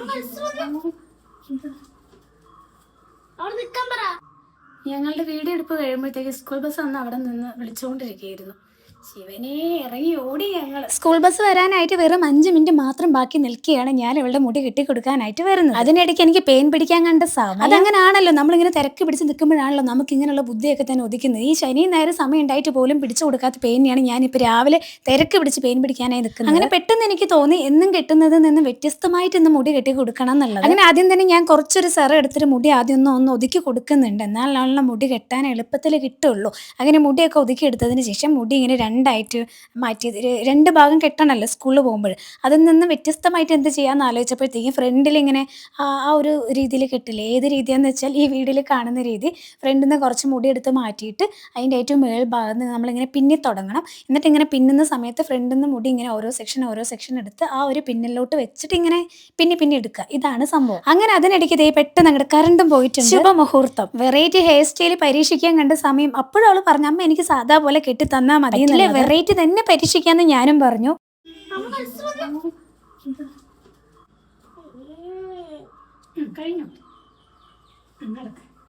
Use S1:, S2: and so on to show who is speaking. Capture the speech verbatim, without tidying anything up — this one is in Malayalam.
S1: ഞങ്ങളുടെ വീഡിയോ എടുപ്പ് കഴിയുമ്പോഴത്തേക്ക് സ്കൂൾ ബസ് അന്ന് അവിടെ നിന്ന് വിളിച്ചുകൊണ്ടിരിക്കുകയായിരുന്നു. ശിവനെ ഇറങ്ങി ഓടി ഞങ്ങൾ. സ്കൂൾ ബസ് വരാനായിട്ട് വെറും അഞ്ച് മിനിറ്റ് മാത്രം ബാക്കി നിൽക്കുകയാണ് ഞാൻ ഇവളുടെ മുടി കെട്ടിക്കൊടുക്കാനായിട്ട് വരുന്നത്. അതിനിടയ്ക്ക് എനിക്ക് പെയിൻ പിടിക്കാൻ കണ്ട സമയം. അതങ്ങനാണല്ലോ, നമ്മളിങ്ങനെ തിരക്ക് പിടിച്ച് നിൽക്കുമ്പോഴാണല്ലോ നമുക്ക് ഇങ്ങനെയുള്ള ബുദ്ധിയൊക്കെ തന്നെ ഒതുക്കുന്നത്. ഈ ശനിയും നേരം സമയം ഉണ്ടായിട്ട് പോലും പിടിച്ചു കൊടുക്കാത്ത പെയിനെയാണ് ഞാനിപ്പോൾ രാവിലെ തിരക്ക് പിടിച്ച് പെയിൻ പിടിക്കാനായി നിൽക്കുന്നത്. അങ്ങനെ പെട്ടെന്ന് എനിക്ക് തോന്നി എന്നും കെട്ടുന്നതിൽ നിന്ന് വ്യത്യസ്തമായിട്ട് ഇന്ന് മുടി കെട്ടി കൊടുക്കണം എന്നുള്ളത്. അങ്ങനെ ആദ്യം തന്നെ ഞാൻ കുറച്ചൊരു സെറ എടുത്തിട്ട് മുടി ആദ്യം ഒന്ന് ഒന്ന് ഒതുക്കി കൊടുക്കുന്നുണ്ട്. എന്നാലാണല്ലോ മുടി കെട്ടാൻ എളുപ്പത്തിൽ കിട്ടുള്ളൂ. അങ്ങനെ മുടിയൊക്കെ ഒതുക്കി എടുത്തതിന് ശേഷം മുടി ഇങ്ങനെ രണ്ടായിട്ട് മാറ്റി രണ്ട് ഭാഗം കെട്ടണമല്ലോ സ്കൂളിൽ പോകുമ്പോൾ. അതിൽ നിന്ന് വ്യത്യസ്തമായിട്ട് എന്ത് ചെയ്യാമെന്ന് ആലോചിച്ചപ്പോഴത്തേക്കും ഫ്രണ്ടിൽ ഇങ്ങനെ ആ ഒരു രീതിയിൽ കെട്ടില്ലേ. ഏത് രീതിയാണെന്ന് വെച്ചാൽ ഈ വീഡിയോയിൽ കാണുന്ന രീതി. ഫ്രണ്ടിൽ നിന്ന് കുറച്ച് മുടി എടുത്ത് മാറ്റിയിട്ട് അതിൻ്റെ ഏറ്റവും മേൽ ഭാഗത്ത് നിന്ന് നമ്മളിങ്ങനെ പിന്നി തുടങ്ങണം. എന്നിട്ട് ഇങ്ങനെ പിന്നുന്ന സമയത്ത് ഫ്രണ്ടിൽ നിന്ന് മുടി ഇങ്ങനെ ഓരോ സെക്ഷൻ ഓരോ സെക്ഷൻ എടുത്ത് ആ ഒരു പിന്നിലോട്ട് വെച്ചിട്ട് ഇങ്ങനെ പിന്നി പിന്നി എടുക്കുക. ഇതാണ് സംഭവം. അങ്ങനെ അതിനിടയ്ക്ക് ഇതേ പെട്ടെന്ന് അങ്ങോട്ട് കറണ്ടും പോയിട്ടുണ്ട്. ശുഭമുഹൂർത്തം. വെറൈറ്റി ഹെയർ സ്റ്റൈൽ പരീക്ഷിക്കാൻ കണ്ട സമയം അപ്പോഴും അവൾ പറഞ്ഞു, അമ്മ എനിക്ക് സാധാ പോലെ കെട്ടി തന്നാൽ മതി, വെറൈറ്റി തന്നെ പരീക്ഷിക്കാന്ന് ഞാനും പറഞ്ഞു. കഴിഞ്ഞു.